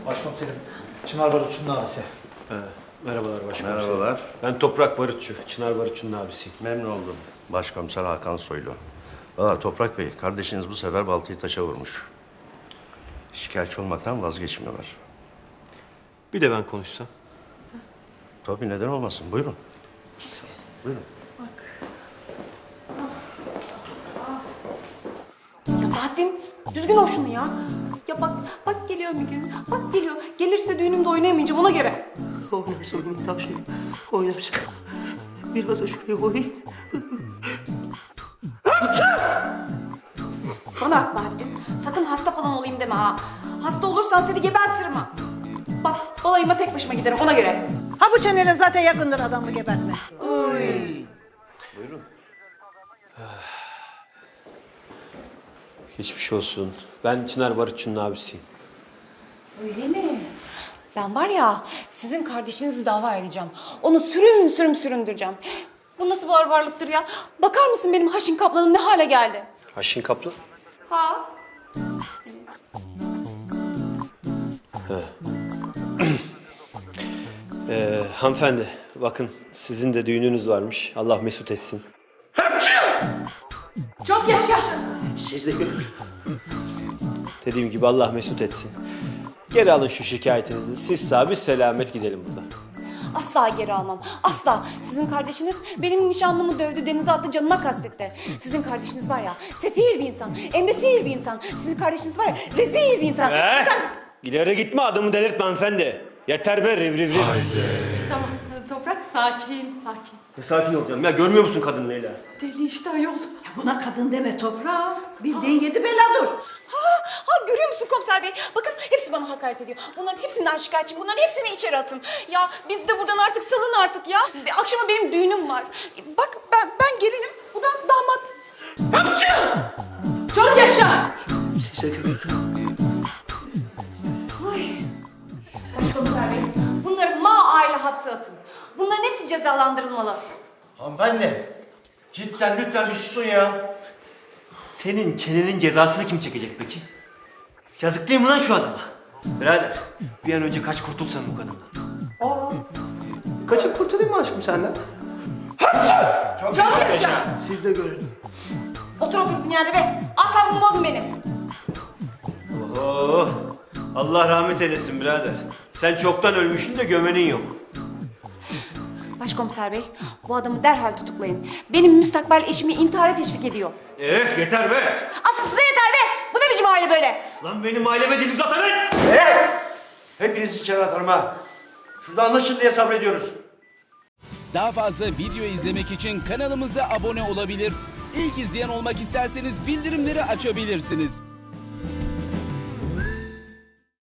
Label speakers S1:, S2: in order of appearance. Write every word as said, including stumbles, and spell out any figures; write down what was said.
S1: Başkomiserim, Çınar Barutçu'nun abisi.
S2: He, merhabalar başkomiserim.
S3: Merhabalar.
S2: Ben Toprak Barutçu, Çınar Barutçu'nun abisiyim.
S3: Memnun oldum. Başkomiser Hakan Soylu. Valla Toprak Bey, kardeşiniz bu sefer baltayı taşa vurmuş. Şikayetçi olmaktan vazgeçmiyorlar.
S2: Bir de ben konuşsam.
S3: Tabii neden olmasın. Buyurun. Buyurun.
S4: Ya Bahattin, düzgün ol şunu ya. Ya bak, bak geliyor bir gün. Bak geliyor. Gelirse düğünümde oynayamayacağım ona göre.
S5: Oynarsın Mithat şey. Oynarsın. Biraz da şuraya koyayım.
S4: Bana bak Bahattin, sakın hasta falan olayım deme ha. Hasta olursan seni gebertirim ha. Bak, balayıma tek başıma giderim ona göre.
S6: Ha bu çeneyle zaten yakındır adamı gebertmesi.
S3: Buyurun.
S2: Geçmiş olsun. Ben Çınar Barutçu'nun abisiyim.
S4: Öyle mi? Ben var ya, sizin kardeşinizi dava edeceğim. Onu sürüm sürüm süründüreceğim. Bu nasıl barbarlıktır ya? Bakar mısın benim Haşin Kaplan'ım ne hale geldi?
S2: Haşin Kaplan.
S4: Ha?
S2: Ee, hanımefendi, bakın sizin de düğününüz varmış. Allah mesut etsin.
S4: Çok yaşa.
S5: Siz de görün.
S2: Dediğim gibi Allah mesut etsin. Geri alın şu şikayetinizi. Siz sağ, biz selamet gidelim buradan.
S4: Asla geri almam. Asla. Sizin kardeşiniz benim nişanlımı dövdü, denize attı, canıma kastetti. Sizin kardeşiniz var ya, sefil bir insan, embesil bir insan. Sizin kardeşiniz var ya, rezil bir insan.
S2: Ee,
S4: Sizin-
S2: ileri gitme, adamı delirtme hanımefendi. Yeter be, riv riv riv.
S7: Tamam Toprak sakin sakin.
S2: Ne sakin olacağım ya, görmüyor musun kadın Leyla?
S7: Deli işte ayol.
S6: Ya buna kadın deme toprağa. Bildiğin yedi beladır.
S4: Ha, ha görüyor musun komiser bey? Bakın hepsi bana hakaret ediyor. Bunların hepsinden şikayetçiyim. Bunların hepsini içeri atın. Ya biz de buradan artık salın artık ya. Bir akşama benim düğünüm var. Bak ben ben gelinim. Bu da damat.
S7: Çok yaşa.
S5: Siz de görün.
S4: Başkomiser bey, bunları ma aile hapse atın. Bunların hepsi cezalandırılmalı.
S1: Hanımefendi, cidden lütfen bir susun ya.
S2: Senin çenenin cezasını kim çekecek peki? Yazık değil mi lan şu adama? Birader, bir an önce kaç kurtulsan bu kadından.
S5: Kaçıp kurtulayım mı aşkım senden?
S1: Çok, Çok yaşa.
S5: Siz de görün.
S4: Otur otur yerde be. Asabımı bozun benim.
S2: Oh, Allah rahmet eylesin birader. Sen çoktan ölmüşsün de gömenin yok.
S4: Başkomiser bey, bu adamı derhal tutuklayın. Benim müstakbel eşimi intihara teşvik ediyor.
S2: Eh yeter be!
S4: Asıl size yeter be! Bu ne biçim aile böyle?
S2: Lan benim aileme dil uzatanın!
S1: Hey! Hepinizi içeri atarım ha. Şurada anlaşın diye sabrediyoruz.
S8: Daha fazla video izlemek için kanalımıza abone olabilir. İlk izleyen olmak isterseniz bildirimleri açabilirsiniz.